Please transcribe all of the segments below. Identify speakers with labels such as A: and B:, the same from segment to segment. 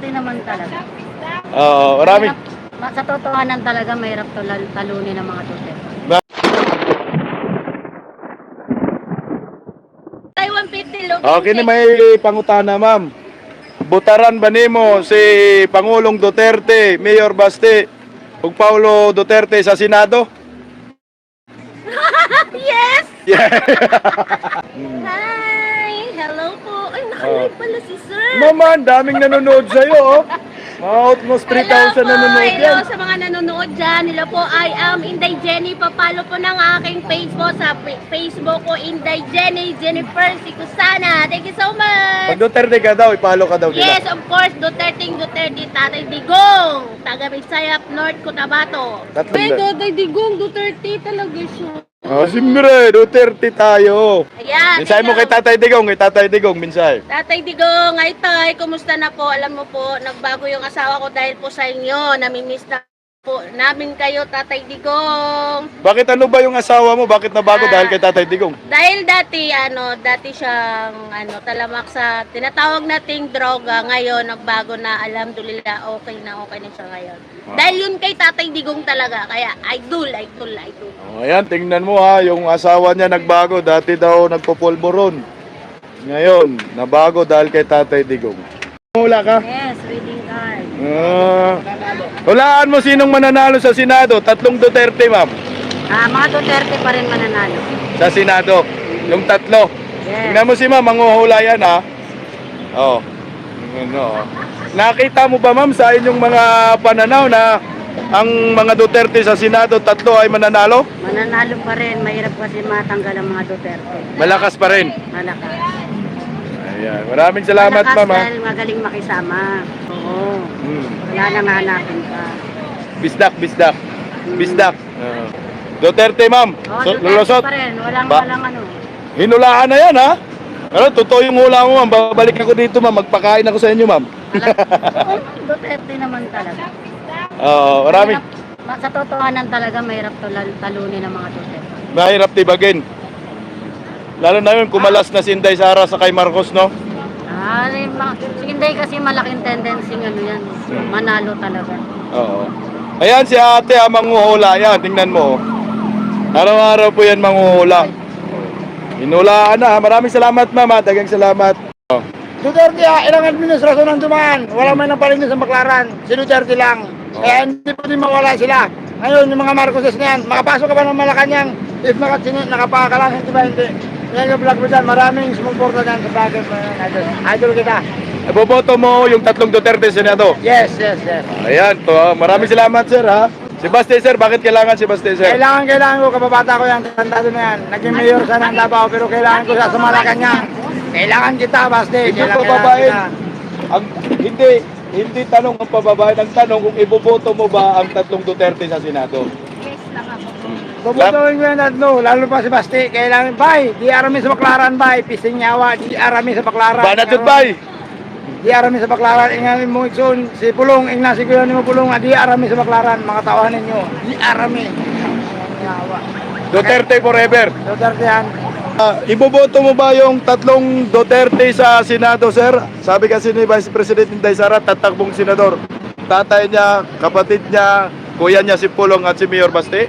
A: Duterte naman talaga.
B: Oo, marami.
A: Sa totohanan talaga, mahirap talunin ng mga Duterte. Taiwan 50 low.
B: Okay, may pangutana, ma'am. Butaran ba nimo si Pangulong Duterte, Mayor Baste, ug Paulo Duterte sa Senado?
A: Yes!
B: Yeah.
A: Hi! Hello po! Ay, nakalive pala si sir!
B: Mama, ang daming nanonood sa'yo, oh. Almost 3,000 nanonood
A: Hello
B: yan.
A: sa mga nanonood dyan. Hello po, I am Inday Jenny. Papalo po ng aking page po sa Facebook ko, Inday Jenny, Jennifer Sikusana. Thank you so much!
B: Pag Duterte ka daw, ipalo ka daw nila.
A: Yes, of course, Duterte, Tatay Digong, taga Bisayap, North Cotabato.
B: Tatlong
A: Ay,
B: da-
A: Tatay Digong, Duterte talaga siya.
B: Oh, siyempre, Duterte tayo.
A: Ayan.
B: Minsay mo
A: hello.
B: kay Tatay Digong, minsay.
A: Tatay Digong, ay tay, kumusta na po? Alam mo po, nagbago yung asawa ko dahil po sa inyo. Namimiss na po namin kayo, Tatay Digong.
B: Bakit ano ba yung asawa mo? Bakit nabago dahil kay Tatay Digong?
A: Dahil dati siyang talamak sa tinatawag nating droga. Ngayon, nagbago na, alhamdulillah, okay na siya ngayon. Dahil yun kay Tatay Digong talaga, kaya idol.
B: Oh, ayan, tingnan mo ha, yung asawa niya nagbago. Dati daw nagpupulburon. Ngayon, nabago dahil kay Tatay Digong. Hula ka?
A: Yes, reading card.
B: Hulaan mo sinong mananalo sa Senado? Tatlong Duterte, ma'am.
A: Mga Duterte pa rin mananalo.
B: Sa Senado. Yung tatlo.
A: Yes.
B: Tingnan mo si ma'am, manguhula yan ha. Oh. Ano. Nakita mo ba ma'am sa inyong mga pananaw na ang mga Duterte sa Senado, tatlo ay mananalo?
A: Mananalo pa rin. Mahirap kasi matanggal ang mga Duterte.
B: Malakas pa rin.
A: Malakas.
B: Ayan. Maraming salamat
A: Malakas
B: ma'am ha.
A: dahil magaling makisama. Oo.
B: Hmm.
A: Wala nang hanapin ka.
B: Bisdak. Duterte ma'am.
A: Oo, Duterte
B: Lulusot.
A: pa rin. Walang
B: Ba-
A: ano.
B: Hinulaan na yan ha. Ano, totoo yung hula mo ma'am. Babalik ako dito ma'am. Magpakain ako sa inyo ma'am.
A: Oo, Duterte naman talaga.
B: Oo, marami.
A: Sa totohanan talaga, mahirap talunin ng mga Duterte.
B: Mahirap tibagin. Lalo na yun, kumalas na si Inday Sara sa kay Marcos, no?
A: Si Inday kasi malaking tendency yan. Manalo talaga.
B: Oo. Ayan si ate manguhula yan. Tingnan mo. Araw-araw po yan manguhula. Hinulaan na. Maraming salamat ma'am. Dagang salamat.
C: Duterte ilang administrasyon ang dumaan. Wala man ang paligid sa Baclaran. Si Duterte lang. Kaya hindi po din mawala sila. Ngayon, yung mga Marcoses na yan, makapasok ka ba ng Malacanang? If nakapakalan, hindi ba hindi? Yan yung vlog mo dyan, maraming sumuporta dyan sa bagay mo yan. Idol kita.
B: Boboto mo yung tatlong Duterte sa Senado.
C: Yes.
B: Ayan to. Maraming salamat sir ha. Si Baste sir, bakit kailangan si Baste sir?
C: Kailangan ko, kababata ko yan, tandado na yan. Naging mayor sa ng Davao, pero kailangan ko sa Malacanang. Kailangan kita, Baste.
B: Hindi
C: Kailangan
B: pababain.
C: kita.
B: Hindi tanong ang pababain. Ang tanong kung iboboto mo ba ang tatlong Duterte sa Senado.
A: Yes lang ako.
C: Bubutuin ko yan tatlo, lalo pa si Basti. Kailangan, bay, di arami sa Baclaran, bay. Pising nyawa, di arami sa Baclaran.
B: Banatut bay.
C: Di arami sa Baclaran, ingani mo ikson, si Pulong, ingna si kuya ni mo Pulong, di arami sa Baclaran, mga tawahan ninyo, di arami. Nyawa.
B: Duterte forever.
C: Duterte yan.
B: Iboboto mo ba yung tatlong Duterte sa Senado, sir? Sabi kasi ni Vice President Inday Sara, tatakbong senador. Tatay niya, kapatid niya, kuya niya si Pulong at si Mayor Baste.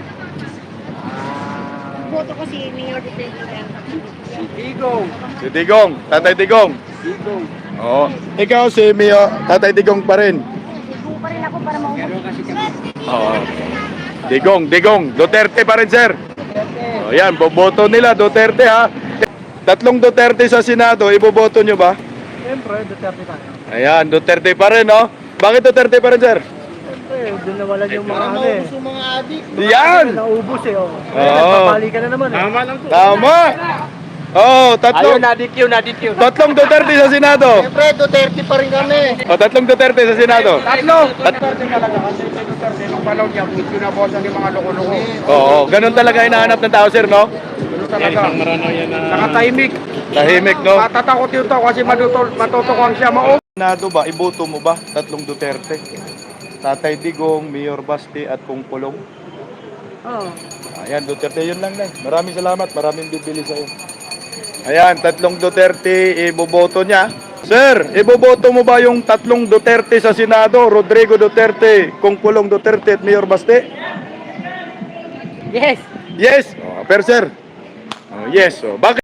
A: Boto ko si Mayor Duterte.
C: Digong.
B: Si Digong, Tatay Digong.
C: Digong.
B: Oo. Ikaw si Mayor, Tatay Digong pa rin.
A: Sigo pa rin ako para maubos.
B: Oo. Digong. Duterte pa rin, sir. O yan, boboto nila, Duterte ha. Tatlong Duterte sa Senado, iboboto nyo ba?
C: Siyempre, Duterte tayo.
B: Ayan, Duterte pa rin, no? Bakit Duterte pa rin, sir?
C: Siyempre, doon nawalan yung mga ano eh.
A: mga adik.
B: Yan!
C: Naubos eh, oh.
B: Oo.
C: Nagpapalikan na naman eh. Tama lang to.
B: Tama! Oh,
C: na-DQ.
B: tatlong Duterte sa Senado.
C: Siyempre, Duterte pa rin kami.
B: O, tatlong Duterte sa Senado.
C: Tatlo! Duterte talaga kasi si Duterte nung palaw niya, pinabosan yung mga loko-loko.
B: Oo, ganun talaga hinahanap ng tao, sir, no?
C: Ano talaga? Nakatahimik.
B: Tahimik, no?
C: Matatakot yung tao kasi matutukuan siya.
B: Senado ba, iboto mo ba? Tatlong Duterte. Tatay Digong, Mayor Baste at Pulong.
A: Oo.
B: Ayan, Duterte, yun lang. Maraming salamat, maraming bibili sa'yo. Ayan, tatlong Duterte, iboboto niya. Sir, iboboto mo ba yung tatlong Duterte sa Senado? Rodrigo Duterte, Kung Pulong Duterte at Mayor Baste?
A: Yes.
B: Yes. Pero sir, yes. Bakit?